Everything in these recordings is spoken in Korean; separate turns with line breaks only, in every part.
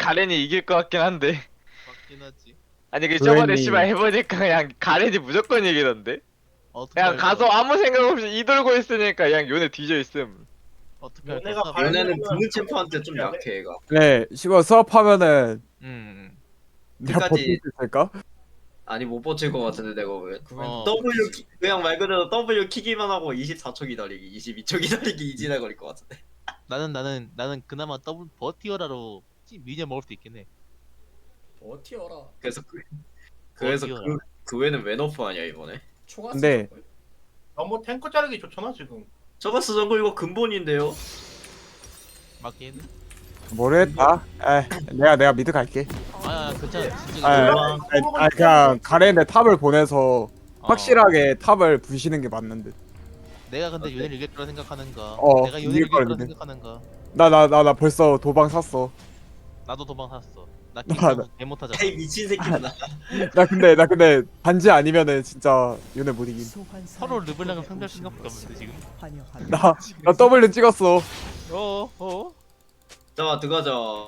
가렌이 이길 것 같긴 한데.
맞긴 하지.
아니 그 저번에
그웬이
씨발 해보니까 그냥 가렌이 무조건 이기던데.
어떻게
그냥
할
가서
거야?
아무 생각 없이 이돌고 있으니까 그냥 요네 뒤져 있음.
어떻게 할
너네가
거야?
요네는
발리면은
부는 챔프한테 좀
해야 돼?
약해 얘가.
네 시발 수업하면은
음.
내가
끝까지-
버틸 수 있을까?
아니 못 버틸 것 같은데 내가 왜
어.
그냥 말 그대로 W 키기만 하고 24초 기다리기 22초 기다리기 이지나 걸릴 것 같은데.
나는 그나마 더블 버티어라로 미니언 먹을 수 있긴 해.
버티어라.
그래서
버티어라.
그 외에는 왜 너프하냐 이번에.
초가스
근데-
정글?
너무 탱크 자르기 좋잖아 지금.
저가스 정글 이거 근본인데요.
맞긴.
모르겠다. 내가 미드 갈게.
아 괜찮아. 진짜.
그냥 가렌의 탑을 보내서
어.
확실하게 탑을 부시는 게 맞는 듯.
내가 근데 요네를 이길 거라 생각하는가?
어,
내가 요네를
이길
이길 거라
거라
생각하는가?
나 벌써 도방 샀어.
나도 도망 샀어. 나
나-
김성 개 못하잖아.
아이 미친 새끼다.
나 근데 반지 아니면은 진짜 요네 못 이김.
서로 르블랑을 상대할 생각밖에 없는데 지금.
나 W 찍었어.
어.
자 들어가자.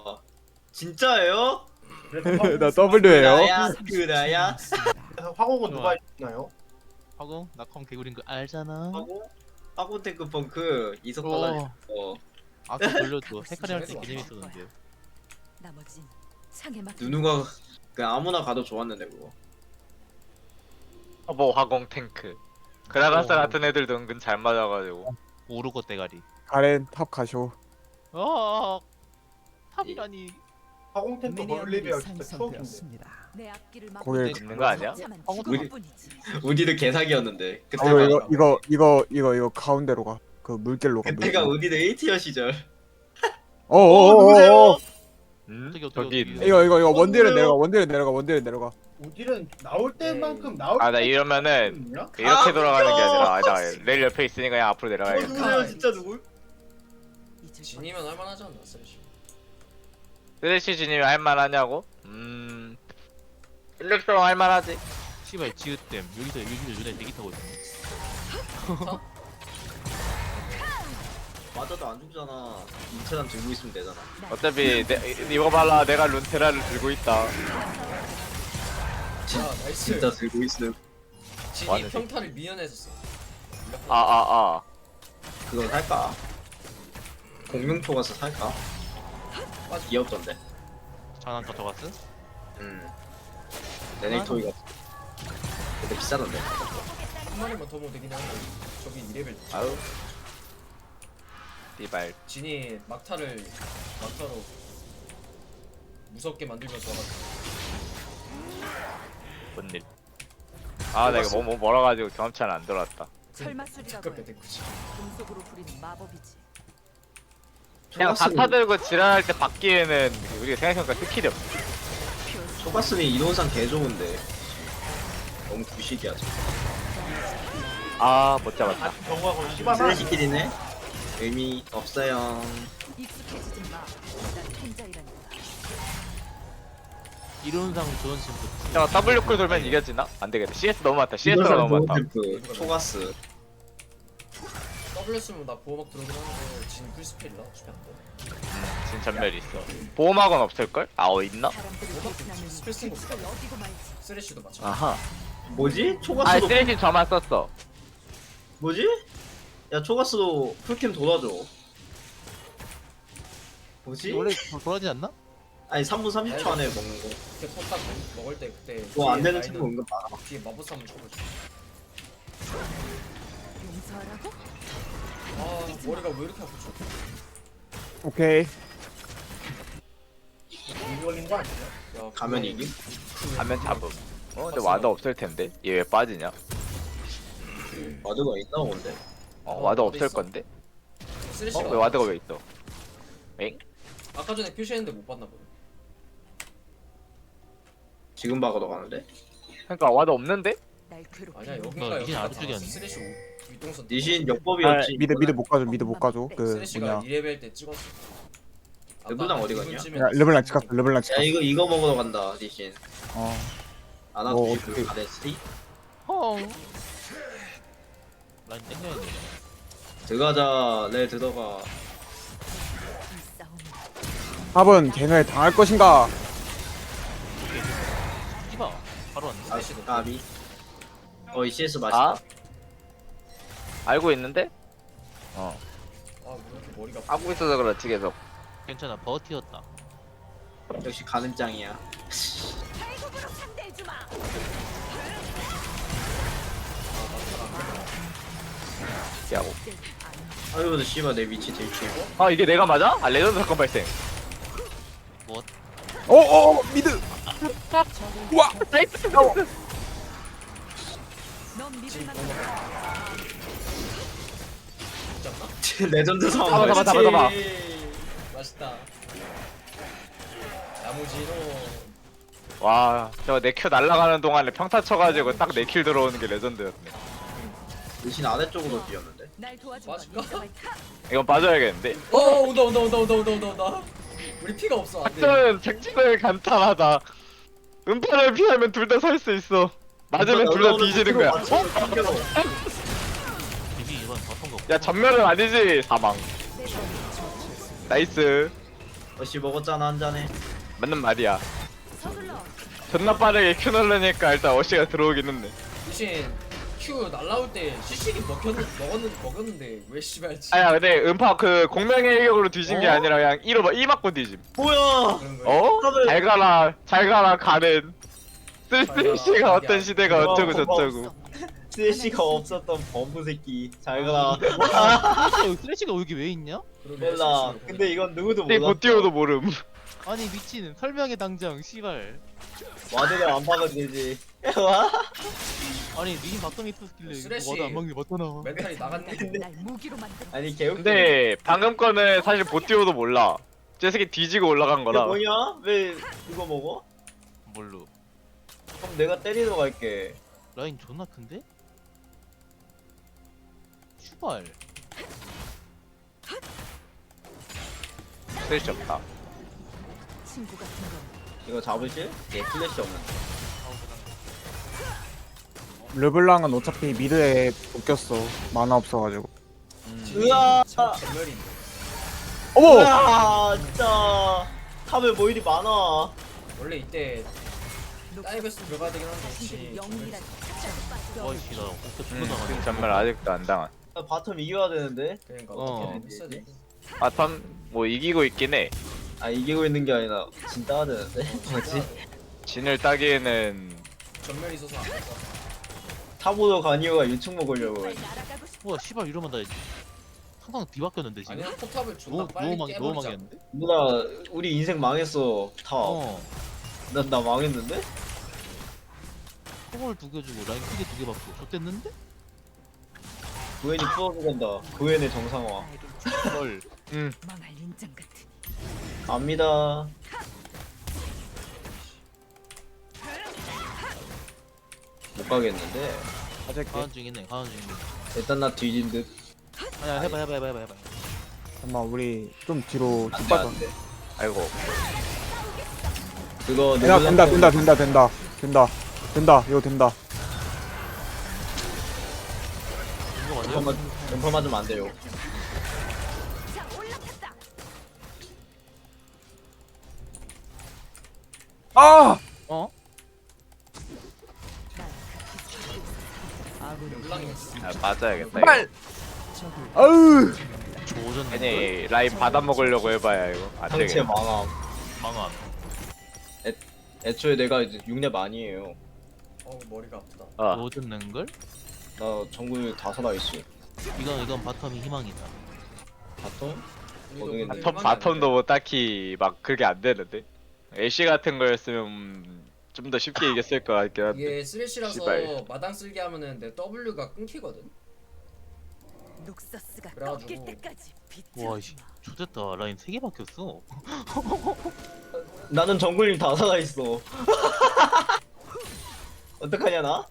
진짜예요?
나 W예요.
그라야.
그래서 화공은 누가 있나요?
하고 나컴 개구리인 거 알잖아.
하고 탱크 펑크 이석 발랄.
아까 돌려줘. 헤카리 할때 개념 있었는데.
나머진 창에 막
누누가 그냥 아무나 가도 좋았는데 그거.
뭐 화공 탱크. 그라가스
어.
같은 애들도 은근 잘 맞아가지고.
오르고 대가리.
가렌 탑 가쇼.
탑이라니.
화공 탱크 멀리비아 진짜 추억인데.
내 앞길을 막
거기에
있는 거 아니야?
우리- 우디는 개사기였는데
아,
그때가
이거 가운데로 가. 그 물길로 가.
그때가 우디는 에이티어 시절.
어어어어.
어떻게,
저기 있네.
이거 원딜은 내려가.
우딜은 나올 때만큼 나올
아 나 이러면은
때만큼이야?
이렇게
아,
돌아가는 게
웃겨.
아니라 나 레일 옆에 있으니까 그냥 앞으로 내려가야겠다.
누구예요 진짜 누구?
진이면 할만하지 않나 쓰레쉬.
쓰레쉬 진입 할만하냐고? 인력성 할만하지.
씨발 지읒댐 여기서 요네 대기 타고 있어.
맞아도 안 죽잖아. 인체단 들고 있으면 되잖아.
어차피 이거 발라 내가 룬테라를 들고 있다.
아 나이스.
진짜 들고 있음.
진이
완전
평타를 미연했었어.
아.
그거 살까? 공룡초 가서 살까? 귀엽던데.
장난감 저갔어?
네네토이가 근데 비싸던데.
한 마리만 더 모으면 되긴 하는데 저기 2레벨.
아유. 띠발.
진이 막타로 무섭게 만들면서 와가지고.
뭔 일? 아 내가 뭐 멀어가지고 경험치는 안 들어왔다.
설마술이라고
가깝게
해.
된 거지.
금속으로 부리는 마법이지.
그냥 다타 들고 지랄할 때 받기에는 우리가 생각해보니까 스킬이 없어.
초가스는 이론상 개 좋은데 너무 구식이야.
아 못 잡았다.
정화고 씨발
쓰레기끼리네. 의미 없어요.
익숙해지지 마. 난 탱자이라니까.
이론상 좋은 친구.
야 W쿨 돌면 이겨지나? 안 되겠다. CS 너무 많다. CS가 너무 많다.
그 초가스.
W 쓰면 나 보호막 들어오긴 하는데 진 풀스펠이라 어차피 안 돼.
진 전멸 있어. 보호막은 없을걸? 있나?
사람들이
보호막
대신하는
스펠 쓴거 없어.
어디고 말지.
쓰레쉬도 마찬가지.
아하.
뭐지?
아
초가스도
쓰레쉬 저만 썼어.
뭐지? 야 초가스도 풀캠 돌아줘. 뭐지?
원래 돌아지 않나?
아니 3분 30초 안에 먹는 거.
그때 컵딱 먹을 때 그때
그거 안
뒤에
되는
라인은
친구 은근 많아.
뒤에 마법사 한번 쳐보자.
용서하라고?
아 머리가 왜 이렇게 아프죠?
오케이.
이 걸린 거 아니야?
야,
가면
그거-
이기?
하면 잡음. 근데 와드 없을 텐데. 얘 왜 빠지냐?
와드가 있나 본데.
와드
와드
없을
있어?
건데?
쓰레쉬가
왜 와드가 왜 있어? 엥?
아까 전에 표시했는데 못 봤나 보네.
지금 박아도 가는데.
그러니까 와드 없는데?
날 괴롭히는
아니야
너
여기가
이제
여기가 다
안쪽이었네.
쓰레쉬 윗동선.
니신
아,
역법이었지.
미드 못 가죠. 그
쓰레쉬가
뭐냐.
2레벨 때 찍었어.
르블랑 어디 갔냐?
르블랑 찍었어.
야 이거 먹으러 간다 니신.
어.
아나
뭐,
그
어떻게-
아데스티.
라인 땡겨야 돼.
들어가자. 내 들어가.
이 싸움은
탑은 갱을 당할 것인가?
씨발 바로 왔네.
아,
스매시도.
까비. 이 CS 맛있다.
아? 알고 있는데?
아, 왜 이렇게 머리가
하고 있어서 그렇지 계속.
괜찮아 버티었다.
역시 가는짱이야.
발굽으로 상대해 주마.
야고.
아유, 근데 씨발 내 위치 들키고.
아 이게 내가 맞아? 아 레전드 사건 발생.
뭐
미드.
적을
우와.
나이스.
넌 믿을 만한
잡나?
레전드 상황.
잡아.
맛있다. 나무지로
와, 저 내 큐 날아가는 동안에 평타 쳐가지고 딱 내 킬 들어오는 게 레전드였네.
대신 아래쪽으로 뛰었는데.
날 도와준
맞을까?
건 인정할 타.
이건 빠져야겠는데.
온다. 우리 피가 없어. 안 돼.
작전은 작전을 간단하다. 음파를 피하면 둘 다 살 수 있어. 맞으면 둘 다 뒤지는 거야.
비비 이번 바쁜 거.
야 전멸은 아니지. 사망. 나이스.
어씨 먹었잖아 한 잔에.
맞는 말이야.
서둘러.
존나 빠르게 큐 누르니까 일단 어시가 들어오긴 했네.
대신 Q 날라올 때 CC기 먹었는데 왜 씨발 지?
아야 근데 음파 그 공명의 일격으로 뒤진 게
어?
아니라 그냥 1 맞고 뒤짐.
뭐야?
그런 거야.
어?
탑을-
잘 가라 가는. 쓸쓸씨가
가라.
어떤 시대가
어,
어쩌고
고마워.
저쩌고.
CC가 없었던 범부 새끼. 잘 가라.
쓰레쉬가 여기 왜 있냐?
그러게,
몰라.
CC.
근데 이건 누구도
근데
몰라.
못 띄워도 모름.
아니 미친 설명해 당장 씨발.
와드를 안 박아도 되지. 와?
아니 미인 바텀이 있었길래
쓰레쉬.
와도 안 막는 게 맞잖아.
멘탈이 나갔네.
날 무기로 만든.
아니 개웃기.
근데 방금 거는 사실 못 띄워도 몰라. 저 새끼 뒤지고 올라간
이게
거라.
뭐냐? 왜 이거 먹어?
뭘로?
그럼 내가 때리러 갈게.
라인 존나 큰데? 슈발.
쓸수 없다.
친구 같은 건
이거 잡으실? 예, 플래시 없는데.
르블랑은 어차피 미드에 묶였어. 만화 없어가지고.
으아!
전멸인데.
어머.
으아! 진짜. 탑에 뭐 일이 많아.
원래 이때 다이브스 들어가야 되긴 한데
신들이
혹시
영웅이란
와이씨 나 어깨
지금
존나 당하네.
전멸 아직도 안 당한.
바텀 이겨야 되는데.
그러니까
어.
어떻게든 했어야 돼.
바텀 뭐 이기고 있긴 해.
아 이기고 있는 게 아니라 진 따야 되는데. 뭐지?
진을 따기에는
전멸 있어서 안 될 것 같아.
타보도 가니오가 유충 먹으려고.
날아가고 싶어.
와 씨발 이러면 나 항상 뒤바뀌었는데 지금.
아니야 포탑을 존나
너무
빨리
너무
깨버리자.
망했는데?
누나 우리 인생 망했어. 탑.
어.
나 망했는데?
초월 2개 주고 라인 크게 2개 받고 좆됐는데?
구엔이 풀어주간다. 구엔의 정상화.
알겠지.
헐.
망할 인장 같으니.
압니다. 못 가겠는데.
가질게.
가는 중이네 가는 중이네.
일단 나 뒤진 듯.
아니야 해봐.
잠깐만 우리 좀 뒤로
안
쭉
돼,
빠져.
안 돼.
아이고.
그거
된다
누구한테-
된다. 이거 된다.
이거 맞아요?
왼팔 맞으면 안 돼요.
자 올라탔다.
아!
어?
르블랑이
아, 맞아야겠다.
빨. 아우.
조졌네.
아니 라인 받아 먹으려고 해봐야 이거 안
상체
되겠네.
망함.
망함.
애초에 내가 이제 6렙 아니에요.
머리가 아프다.
어.
조졌는 걸?
나 정글 다 살아있어.
이건 바텀이 희망이다.
바텀?
우리도
모르겠네.
근데
바텀도 뭐 딱히 막 그게 안 되는데. 애쉬 같은 거였으면 좀 더 쉽게 이겼을 것 같긴 한데.
이게 쓰레쉬라서
씨발.
마당 쓸게 하면은 내 W가 끊기거든.
녹서스가
그래가지고.
꺾일 때까지
와 씨.
비틀어주마.
조졌다. 라인 3개 박혔어.
나는 정글님 다 살아있어. 어떡하냐 나?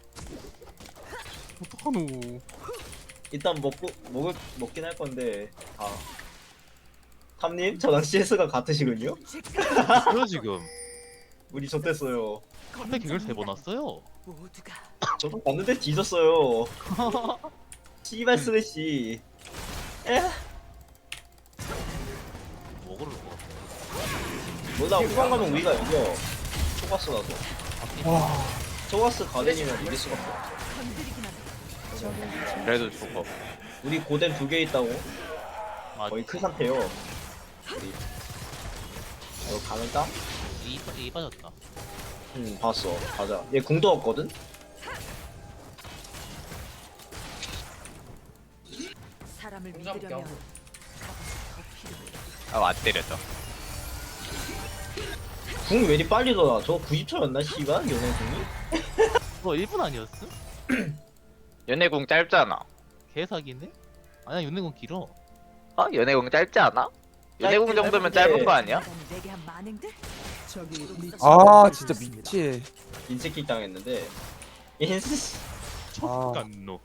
어떡하노.
일단 먹긴 할 건데. 아. 탐님 저랑 CS가 같으시군요?
뭐야 지금?
우리 좆됐어요.
컴백 갱을 3번 왔어요.
모두가
저도 봤는데 뒤졌어요. 씨발 스레시.
먹으러 것 같아.
몰라 후반 가면 우리가 이겨. 초가스 나서.
와
초가스 가든이면 이길 수가 없어.
건드리기만 해.
그래도 죽어.
우리 고뎀 2개 있다고.
아,
거의 큰 상태요. 우리. 이거 가능까?
이 빠졌다.
봤어. 가자. 얘 궁도 없거든?
사람을
공장
믿으려면
껴.
값이 더 필요해.
아안 때렸다.
궁 왜 이리 빨리 돌아? 저거 90초였나 씨발? 연애 궁이?
그거 1분 아니었어?
연애공 짧잖아.
개사기인데? 아니야 윤내공 길어.
어? 연애공 짧지 않아? 연애공 정도면 짧은 거 아니야?
인간이 내게 한 만행들?
아 진짜 미치.
인새끼 당했는데. 인스.
촉간노.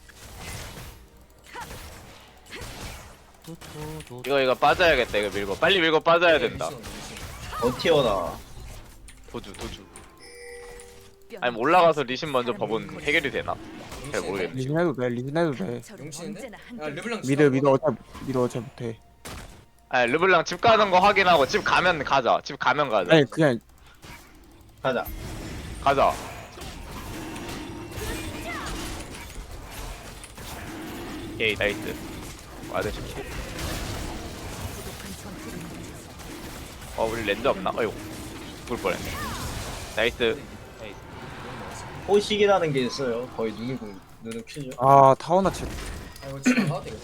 이거 빠져야겠다. 이거 밀고 빨리 밀고 빠져야 된다.
어티어다.
도주. 아니 뭐 올라가서 리신 먼저 법은 해결이 되나? 잘 모르겠네.
리신 해도 돼. 리신 해도 돼.
저는
용치는데?
언제나
야
한결
르블랑
미드 어차피 못해.
아니 르블랑 집 가는 거 확인하고 집 가면 가자. 집 가면 가자.
아니 그냥
가자.
가자. 오케이 나이스. 와드 좀.
부족한 전투를 멈춰서
우리 렌즈 없나? 어이구 죽을 뻔했네. 나이스.
호식이라는 게 있어요. 거의 눈을 큐죠.
아 타워나 칠.
아 이거 집에 가도 되겠다.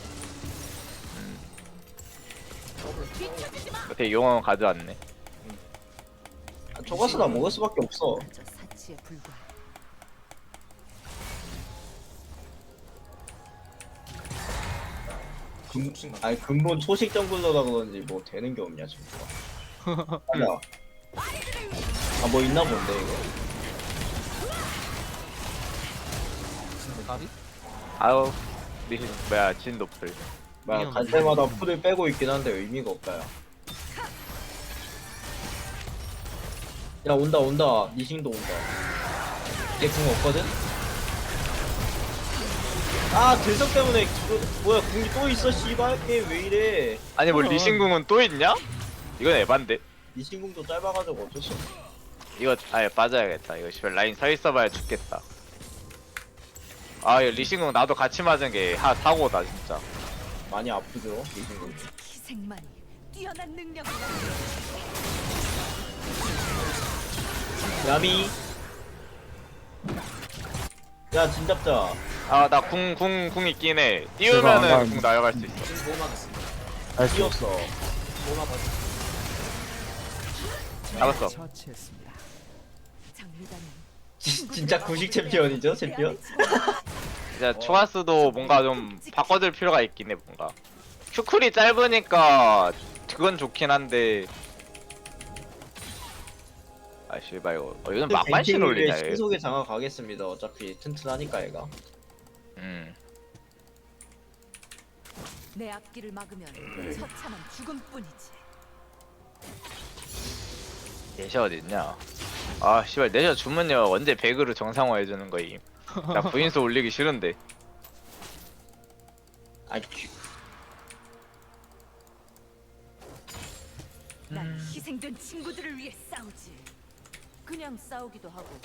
어떻게 용왕 가져왔네.
초가스나 먹을 수밖에 없어.
저 사치에 불과해.
아니 근본 초식 정글러라 그런지 뭐 되는 게 없냐 지금. 가자. 아뭐 있나 본데 이거.
가비?
아우 리신 뭐야 진 노플.
막 갈 때마다 풀을 빼고 있긴 한데 의미가 없다. 야 온다. 니싱도 온다. 걔궁 없거든? 아 들석 때문에 뭐야 궁이 또 있어 씨발 게임 왜 이래.
아니 뭐 리신궁은 또 있냐? 이건 에반데.
니싱궁도 짧아가지고 어쩔 수 없어.
이거 아예 빠져야겠다. 이거 씨발 라인 서 있어봐야 죽겠다. 아 이거 리신궁 나도 같이 맞은 게 사고다 진짜.
많이 아프죠 니싱궁.
희생만이 뛰어난 능력을
야미. 야 진잡자.
아 나 궁 있긴 해.
제가
띄우면은
안
궁 날아갈 수 있어.
지금 뭐 맞았습니다.
알수
뛰었어.
뭐 맞았어.
잡았어.
장미단은
진짜 구식 챔피언이죠 챔피언?
진짜 초가스도 뭔가 좀 바꿔줄 필요가 있긴 해 뭔가. 큐쿨이 짧으니까 그건 좋긴 한데. 아 씨발 이거 이건 막만신 올리냐 얘.
신속에 장악 가겠습니다. 어차피 튼튼하니까 얘가.
내 앞길을 막으면 처참한 죽음뿐이지.
내셔 어딨냐? 아 씨발 내셔 주문요 언제 배그로 정상화 해주는 거임. 나 부인수 올리기 싫은데.
아
난 희생된 친구들을 위해 싸우지. 그냥 싸우기도 하고.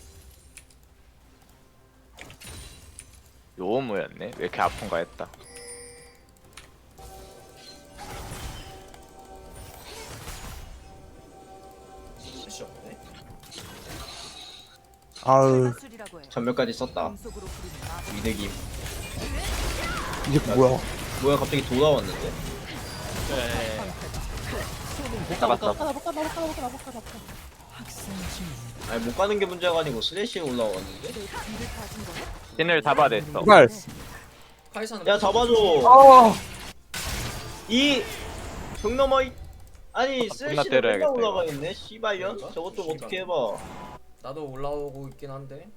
요무였네. 왜 이렇게 아픈가 했다.
씨 없네.
아으
술이라고 해.
전멸까지 썼다.
음속으로 부리는 마법.
위대김.
이게 뭐야?
뭐야 갑자기 돌아왔는데?
잡았어.
아니 못 가는 게 문제가 아니고 스레시에 올라왔는데?
내 뒤를 봐준 거야?
신을 잡아냈어.
이발.
카이사는
야 잡아줘.
아
벽 넘어 아니
존나
스레시는 맨날
때려야겠다,
올라가 있네. 씨발년.
그런가?
저것 좀 어떻게 해봐.
나도 올라오고 있긴 한데.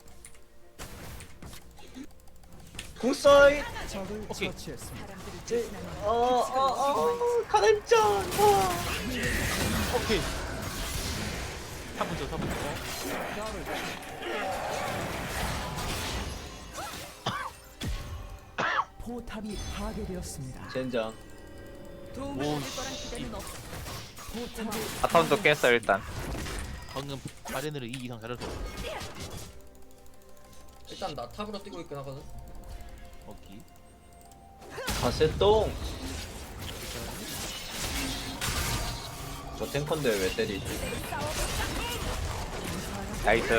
궁사이.
오케이.
사람들을 대신하는
가렘짱.
오케이. 3분 줘.
포탑이 파괴되었습니다.
젠장.
도움을
오,
받을 거란 기대는 없어.
바텀도 깼어 일단.
방금 바렌으로 2 이상 잘해서.
일단 나 탑으로 뛰고 있긴 하거든.
오케이.
가세똥. 저 탱커인데 왜 때리지?
나이스.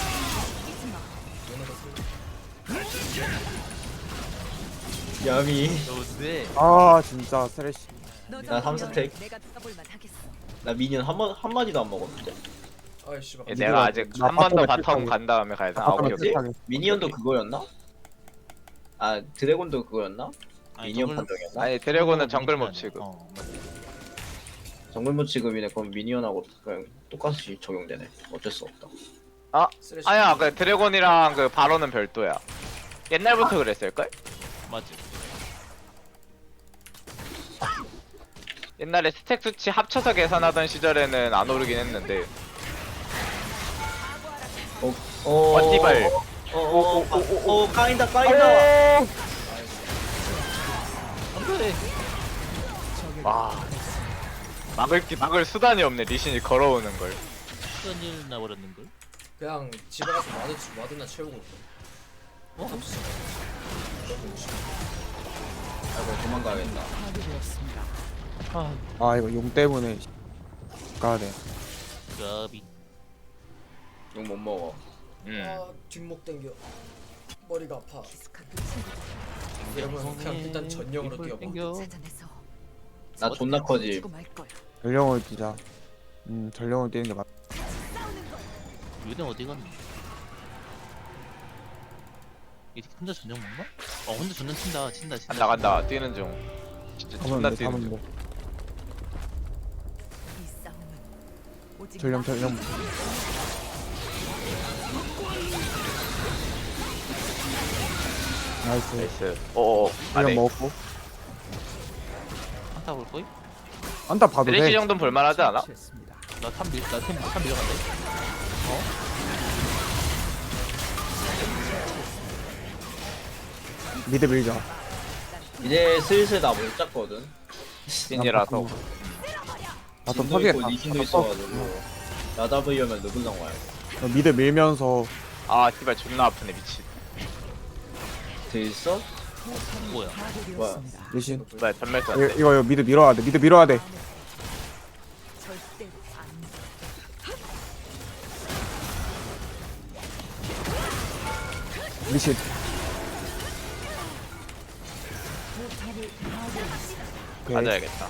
야미.
좋은데.
아 진짜 쓰레쉬.
나 3스택.
내가 떠볼만 하겠어.
나 미니언 한 마디도 안 먹었는데.
아이 씨발.
예, 내가 아직
나
한 번 더
바텀에
바텀
필살기.
간 다음에 가야 돼. 아
바텀에
오케이 오케이.
필살기.
미니언도 그거였나? 아 드래곤도 그거였나? 미니언 판정이었나?
아니 드래곤은 정글 몹 취급.
맞아.
정글모 취급이네. 그럼 미니언하고 그냥 똑같이 적용되네. 어쩔 수 없다.
쓰레쉬.
아야 그 드래곤이랑 그 바로는 별도야. 옛날부터 그랬을걸?
맞지.
옛날에 스택 수치 합쳐서 계산하던 시절에는 안 오르긴 했는데. 버티발.
까인다.
안돼.
와. 막을 수단이 없네. 리신이 걸어오는 걸.
무슨 일 나버렸는 걸?
그냥 집에 가서 마드나 채우고 있어.
아이고 도망가야겠다.
아 이거 용 때문에 가야 돼.
가비.
욕 못 먹어.
아 뒷목 당겨. 머리가 아파.
스카프 친구들
이러면 그냥 일단 전령으로 뛰어봐.
땡겨.
찾아내서
나 존나 커지.
주고 말 거야.
전령을 뛰자. 전령을 뛰는 게 맞.
요네 어디 갔니? 이 혼자 전령 먹나? 혼자 전령 친다.
간다 뛰는 중. 진짜 존나
하면 돼.
뛰는
하면
중.
돼.
이 싸움은 오직
전령. 나이스.
나이스. 오오.
전령
안에.
먹었고.
한타 볼 거임?
안타 봐도
드레시
돼.
정도는 볼만하지 않아?
나탐 밀어간대.
미드 밀자.
이제 슬슬 나 못 잡거든.
신이라서.
바텀
진도
터지겠다.
있고 니신도 있어가지고 나 잡으려면 르블랑 와야 돼.
미드 밀면서
아 씨발 존나 아프네 미친.
돼 있어?
뭐야?
뭐야?
리신.
뭐야 전멸 쐈네.
이거 미드 밀어야 돼. 미드 밀어야 돼.
절대로 안
리신. 오케이.
맞아야겠다.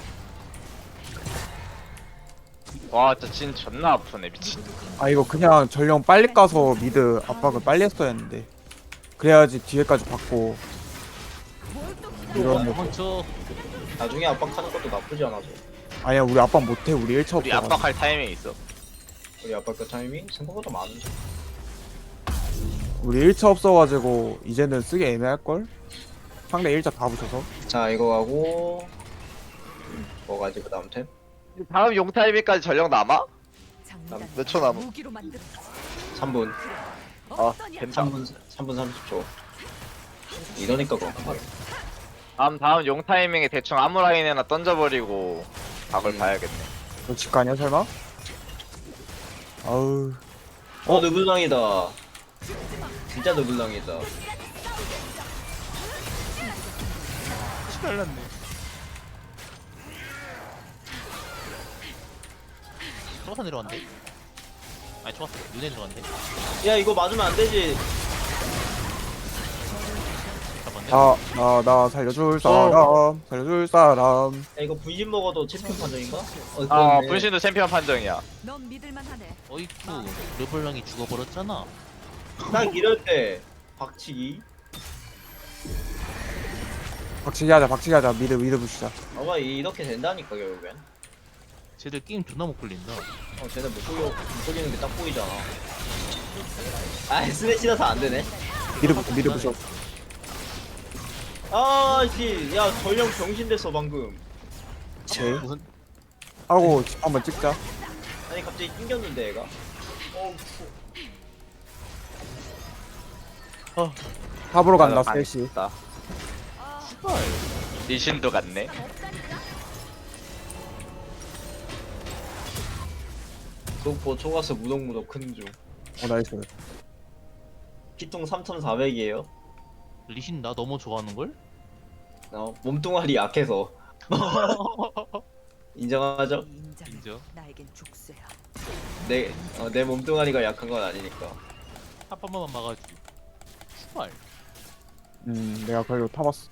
와 진짜 진 존나 아프네 미친.
아 이거 그냥 전령 빨리 까서 미드 압박을 빨리 했어야 했는데 그래야지 뒤에까지 받고 이런 거.
도망쳐.
나중에 압박하는 것도 나쁘지 않아서.
아니야 우리 압박 못해. 우리 1차
우리
없어.
압박할 타이밍이 있어.
우리 압박 그 타이밍 생각보다 많은데.
우리 1차 없어가지고 이제는 쓰기 애매할걸? 상대 1차 다 붙여서.
자 이거 하고 뭐가지 그 다음 템?
다음 용 타이밍까지 전력 남아?
장난.
몇초 남아?
무기로 만들어.
3분.
아 된다.
3분 30초. 이러니까 그런 거야.
다음 용 타이밍에 대충 아무 라인에나 던져버리고 각을 봐야겠네.
너 집 가냐 설마? 아우
르블랑이다. 진짜 르블랑이다.
날랐네. 초가사 내려왔는데? 아니 초가사 눈에 들어갔는데?
야 이거 맞으면 안 되지.
잡았네.
나 살려줄 사람 살려줄 사람.
야 이거 분신 먹어도 챔피언 판정인가?
아
그렇네.
분신도 챔피언 판정이야.
넌 믿을만 하네.
어이쿠 르블랑이 죽어버렸잖아.
딱 이럴 때 박치기.
박치기 하자. 미드 부시자.
아마 이렇게 된다니까 결국엔.
쟤들 게임 존나 못 굴린다.
쟤네 못 보이는 게 딱 보이잖아. 아 스매시라서 안 되네.
미드 부셔.
아씨, 야 전령 병신 됐어 방금.
제
무슨
하고 집 한번 찍자.
아니 갑자기 낑겼는데 얘가.
탑으로 간다
아,
셋이.
다 리신도 갔네.
속보 초가스 무덕무덕 큰 중.
나이스.
피통 3,400이에요.
리신 나 너무 좋아하는 걸?
몸뚱아리 약해서. 인정하죠?
이 인자는
인정.
나에겐 족쇄야.
내 몸뚱아리가 약한 건 아니니까.
한 번만 막아주지. 추발.
내가 그걸로 타봤어.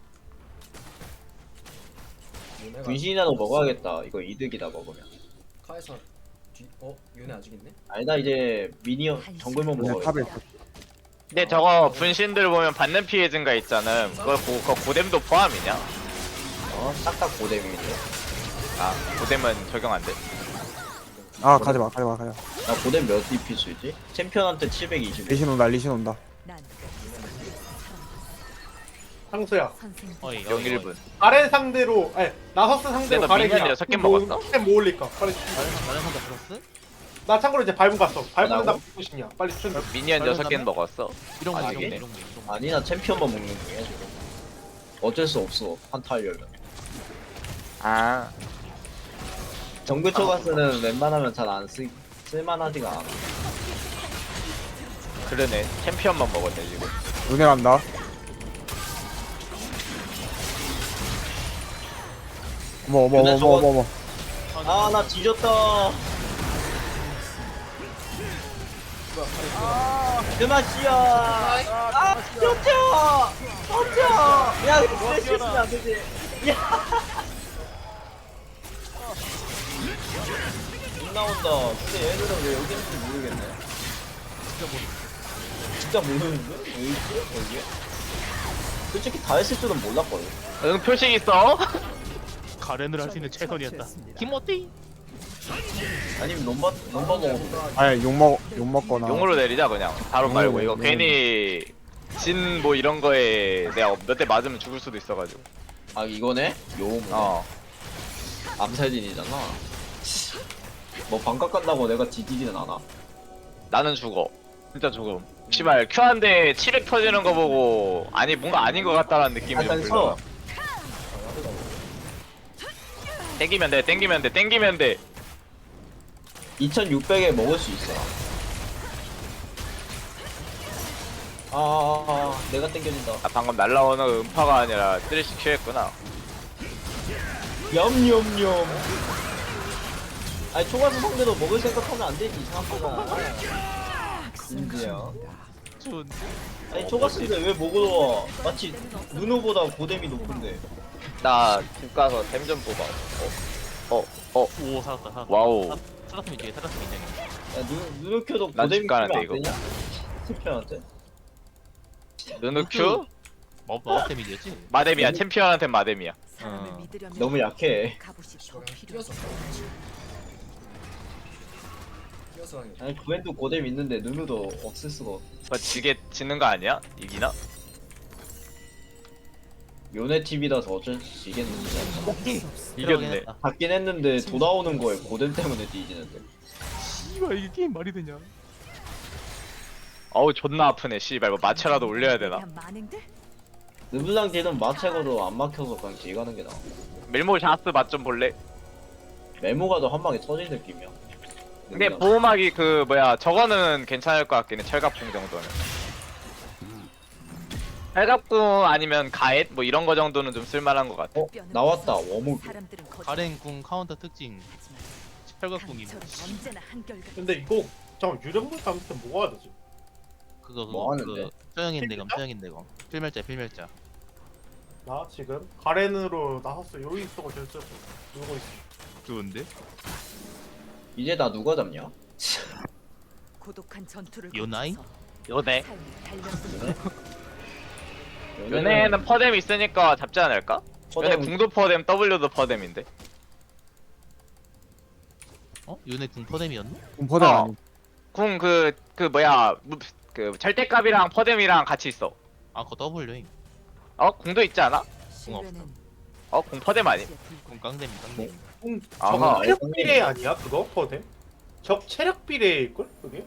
요네가
분신이라도 먹어야겠다. 이거 이득이다 먹으면.
카에서 요네 아직 있네?
아니다 이제 미니언 정글만
그냥
먹어야겠다.
탑에 있어.
근데 저거 분신들 보면 받는 피해 증가 있잖아. 그거 고뎀도 포함이냐?
딱딱 고뎀인데.
아 고뎀은 적용 안 돼.
아 가지마.
나 고뎀 몇 DP 쓰지? 챔피언한테 720.
리신 온다.
난
상수야.
선생.
어이.
영 1분.
가렌 상대로 아니 나서스 상대로
너
가렌이야.
미니언 6개 먹었어?
템뭐 올릴까? 빨리
나는 상대 플러스?
나 참고로 이제 밟은 갔어. 밟은 나
나고?
무엇이냐? 빨리 춘.
미니언
다른
6개는
사람?
먹었어.
이런 거
아,
이런 거
이게?
이런 거 이런 거.
아니 나 챔피언만 먹는 중이야 지금. 어쩔 수 없어 한타 하려면.
아
정글 초가스는 웬만하면 잘 안 쓸만하지가 않아.
그러네. 챔피언만 먹었네 지금.
눈에 간다. 어머.
아 나 뒤졌다. 그맛이야. 아 쫓아. 야 이거 실수는 안 되지. 못 나온다. 근데 얘들은 왜 여기 있는지 모르겠네. 진짜 모르는데? 왜 있지? 여기? 솔직히 다 했을 줄은 몰랐거든.
응 표식 있어?
가렌을 할 수 있는 최선이었다. 김어띠.
아니면 롬바 먹어도 돼.
아니 욕 먹거나.
용으로 내리자 그냥. 바로
용으로
말고 이거
용으로.
괜히 진 뭐 이런 거에 내가 몇 대 맞으면 죽을 수도 있어가지고.
아 이거네? 요 암살진이잖아. 뭐 반값 간다고 내가 뒤지지는 않아.
나는 죽어. 진짜 죽음. 씨발 Q 한 대 700 터지는 거 보고 아니 뭔가 아닌 것 같다라는 느낌이 좀
일단
들어.
서.
땡기면 돼.
2600에 먹을 수 있어. 내가 땡겨진다.
아 방금 날라오는 음파가 아니라 쓰레쉬 Q했구나.
염염염. 아니 초가스 상대도 먹을 생각하면 안 되지 이상한 거잖아. 진지야.
좋은데.
아니 초가스인데 왜 먹으러 와? 마치 누누보다 고뎀이 높은데.
나 집 가서 템 좀 뽑아.
오 살았다.
와우.
살았으면 이제 살았으면 인정해.
야 누누켜도
난
고뎀이
집 가는데,
키면 안 되냐? 스피한테?
누누 Q?
마법템이었지.
마뎀이야. 챔피언한테 마뎀이야.
사람을 믿으려면
너무 약해.
갑옷이 더
저랑
필요해.
뛰어서 하는 게
아니 구엔도 고뎀 있는데 누누도 없을 수가 없어.
그거 지는 거 아니야? 이기나?
요네 TV라서 어쩔 수 있겠는데.
이겼네.
받긴 했는데 돌아오는 거에 고뎀 때문에 뒤지는데.
씨발 이게 게임 말이 되냐?
어우 존나 아프네. 씨발 뭐 마체라도 올려야 되나?
그냥 만행들?
르블랑 딜은 마체거도 안 막혀서 그냥 딜 가는 게 나아.
밀모 샤스 맛 좀 볼래?
메모가도 한 방에 터질 느낌이야.
근데
르블랑.
보호막이 그 뭐야 저거는 괜찮을 것 같긴 해. 철갑궁 정도는. 철갑궁 아니면 가엣 뭐 이런 거 정도는 좀 쓸만한 것 같아.
나왔다 워무비.
사람들은 거짓말.
가렌궁 카운터 특징.
하지만
철각궁이
강철은 언제나 한결같아.
근데 이거 잠깐 유령불 담을 뭐가 되지?
그거
뭐 하는데?
쩌영인대검. 필멸자.
나 지금 가렌으로 나섰어. 여기 있어 결정. 누구 있어?
좋은데?
이제 나 누가 잡냐?
고독한 전투를
요나이?
거쳐서
요네.
삶이 달렸어.
요네는 퍼뎀 있으니까 잡지 않을까? 요네
퍼뎀
궁도 퍼뎀, W도 퍼뎀인데.
어? 요네 궁 퍼뎀이었나?
공포대
어.
아니.
궁 그 뭐야 그 절대값이랑 퍼뎀이랑 같이 있어.
아 그거 W임.
궁도 있지 않아?
신뢰는
궁 퍼뎀 아니?
궁 깡뎀.
아하.
적 체력 비례 아니야 그거 퍼데? 적 체력 비례일걸 그게?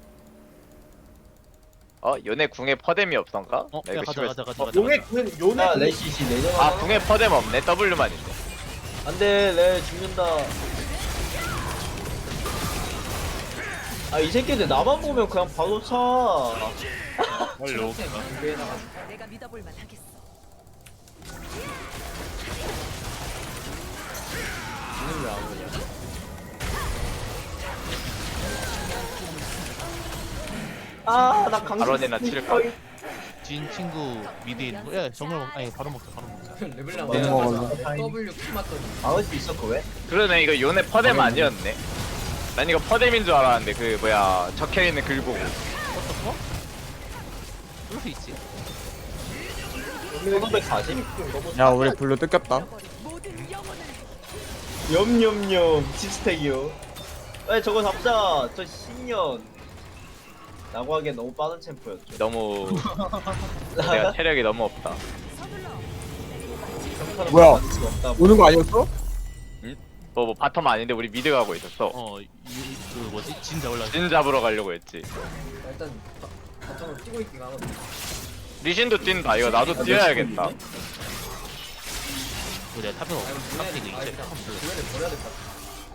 요네 궁에 퍼뎀이 없던가?
어?
나
야
이거
가자.
용의 궁은 요네
야
궁-
레시시 내려가.
궁에 퍼뎀 없네. W만 있네.
안돼 레 죽는다. 아 이 새끼들 나만 보면 그냥 바로 차.
빨리
쌤 준비해놔가지고.
내가 믿어볼 만하겠어.
이는 왜안 오냐?
아나 강제.
발언이나 칠까?
진 친구 미드에 있는 거. 야 정글 먹. 아니 바로 먹자 바로 먹자.
레벨랑
못 먹을래.
W 키 맞더니
막을 수 있어 그 왜?
그러네 이거 요네 퍼뎀 아니었네. 난 이거 퍼뎀인 줄 알았는데 그 뭐야 적혀있는 글 보고.
어떡어? 그럴 수 있지.
1540?
야 우리 블루 뜯겼다.
모든 영혼을
염염염 칩스택이요. 에 저거 잡자. 저 신년. 라고 하기엔 너무 빠른 챔프였죠.
너무 내가 체력이 너무 없다.
서둘러.
뭐야?
받을 수가 없다.
오는 거 아니었어?
뭐 바텀 아닌데 우리 미드 가고 있었어.
그 뭐지? 진 잡으려.
진 잡으러 가려고 했지.
일단 바텀을 뛰고 있긴 하거든.
리신도 뛴다. 이거 나도 뛰어야겠다.
내가 탑에
아이고
탑에
주변에
이제
일단
탑 불러.
주변에 버려야 될 것 같아.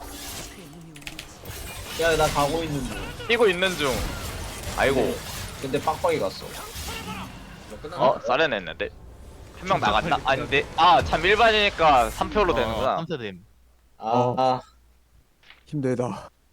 야 나 가고 있는 중.
뛰고 있는 중. 아이고.
근데 빡빡이 갔어.
너 끝났나?
어? 쌀해냈는데? 한 명 나갔나? 아닌데? 아 참 일반이니까 3표로 되는구나.
3세됨.
아, 아
힘들다.